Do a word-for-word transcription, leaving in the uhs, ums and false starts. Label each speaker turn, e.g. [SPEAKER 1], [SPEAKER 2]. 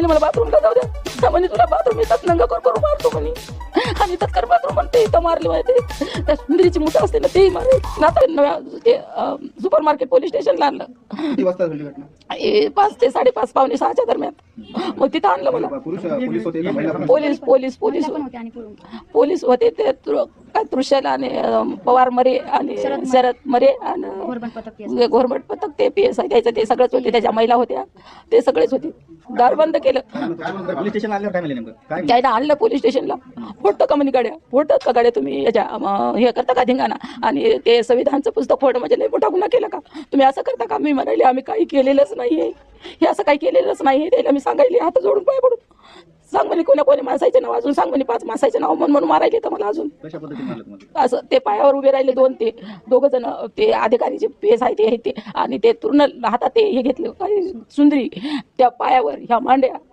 [SPEAKER 1] मला बाथरूमला जाऊ द्या म्हणे, तुला बाथरूम येतात नंगा कर करू मारतो म्हणे. आणि तत्कर बाथरूम म्हणते इथं मारले माहिती, त्या सुंदरीची मुठा असते ना तेही मारले. आता नव्या ते सुपर मार्केट पोलीस स्टेशनला आणलं.
[SPEAKER 2] किती वाजता झाली घटना?
[SPEAKER 1] हे पाच ते साडेपाच पावणे सहाच्या दरम्यान. मग तिथं आणलं मला.
[SPEAKER 2] पुरुष पोलीस होते का महिला पण?
[SPEAKER 1] पोलीस पोलीस पोलीस पोलीस होते ते तृ- काय तृषाला आणि अं, पवार मरे आणि शरद मरे आणि घोरमट पथक ते पी एस आय द्यायचं ते सगळंच होते. त्याच्या महिला होत्या ते सगळेच होते. दार बंद केलं.
[SPEAKER 2] पोलीस स्टेशन आल्यावर काय म्हणले नेमकं? काय
[SPEAKER 1] त्याला आणलं पोलीस स्टेशनला. फोडतं का म्हणे गाड्या, फोडतात का गाड्या तुम्ही याच्या अं, हे करता का धिंगाणा, आणि ते संविधानचं पुस्तक फोड म्हणजे लय मोठा गुन्हा केला का तुम्ही, असं करता का. मी म्हणाले आम्ही काही केलेलंच नाहीये, हे असं काही केलेलंच नाही. त्याला मी सांगायले हात जोडून पाय पडून सांग म्हणे कोणा कोणी माणसाचं नाव अजून सांग म्हणे, पाच माणसाचं नाव म्हणून म्हणून मारायले तर मला अजून
[SPEAKER 2] कशा पद्धतीने मारलं तुम्हाला?
[SPEAKER 1] असं. ते पायावर उभे राहिले दोन, ते दोघं जण ते अधिकारी जे पेस आहे ते ते आणि ते पूर्ण हातात ते हे घेतले काय सुंदरी, त्या पायावर ह्या मांड्या